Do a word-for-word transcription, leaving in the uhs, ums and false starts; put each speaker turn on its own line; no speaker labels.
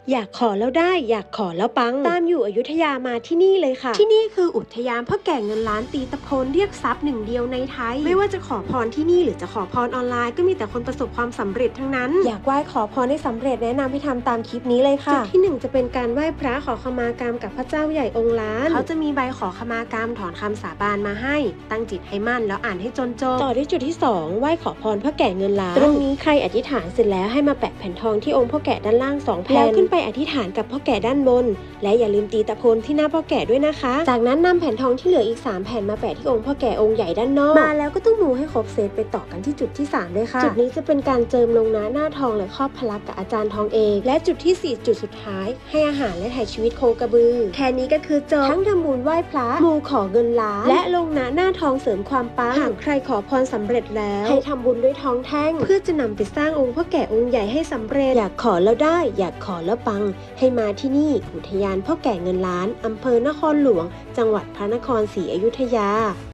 อยากขอแล้วได้อยากขอแล้วปังตามอยู่อยุธยามาที่นี่เลยค่ะที่นี่คืออุทยานพ่อแก่เงินล้านตีตะโพนเรียกทรัพย์หนึ่งเดียวในไทยไม่ว่าจะขอพรที่นี่หรือจะขอพรออนไลน์ก็มีแต่คนประสบความสำเร็จทั้งนั้นอยากไหว้ขอพรให้สำเร็จแนะนำให้ทำตามคลิปนี้เลยค่ะจุดที่หนึ่งจะเป็นการไหว้พระขอขมากรรมกับพระเจ้าใหญ่องค์ล้านเขาจะมีใบขอขมากรรมถอนคำสาบานมาให้ตั้งจิตให้มั่นแล้วอ่านให้จนจบต่อด้วยจุดที่สองไหว้ขอพรพ่อแก่เงินล้านตรงนี้ใครอธิษฐานเสร็จแล้วให้มาแปะแผ่นทองที่องค์พ่อแก่ด้านล่างสองแผ่นแล้วขึ้นไปอธิษฐานกับพ่อแก่ด้านบนและอย่าลืมตีตะโพนที่หน้าพ่อแก่ด้วยนะคะจากนั้นนำแผ่นทองที่เหลืออีกสามแผ่นมาแปะที่องค์พ่อแก่องค์ใหญ่ด้านนอกมาแล้วก็ต้องมูให้ครบเซตไปต่อกันที่จุดที่สามเลยค่ะจุดนี้จะเป็นการเจิมลงหน้าหน้าทองและครอบพลักกับอาจารย์ทองเอกและจุดที่สี่จุดสุดท้ายให้อาหารและถ่ายชีวิตโคกระบือแค่นี้ก็คือจบทั้งทำบุญไหว้พระมูขอเงินล้านและลงหน้าหน้าทองเสริมความปังหากใครขอพรสำเร็จแล้วให้ทำบุญด้วยทองแท่งเพื่อจะนำไปสร้างองค์พ่อแก่องค์ใหญ่ให้สำเร็จอยากขอแล้วได้อยากขอแล้วปังให้มาที่นี่อุทยานพ่อแก่เงินล้านอำเภอนครหลวงจังหวัดพระนครศรีอยุธยา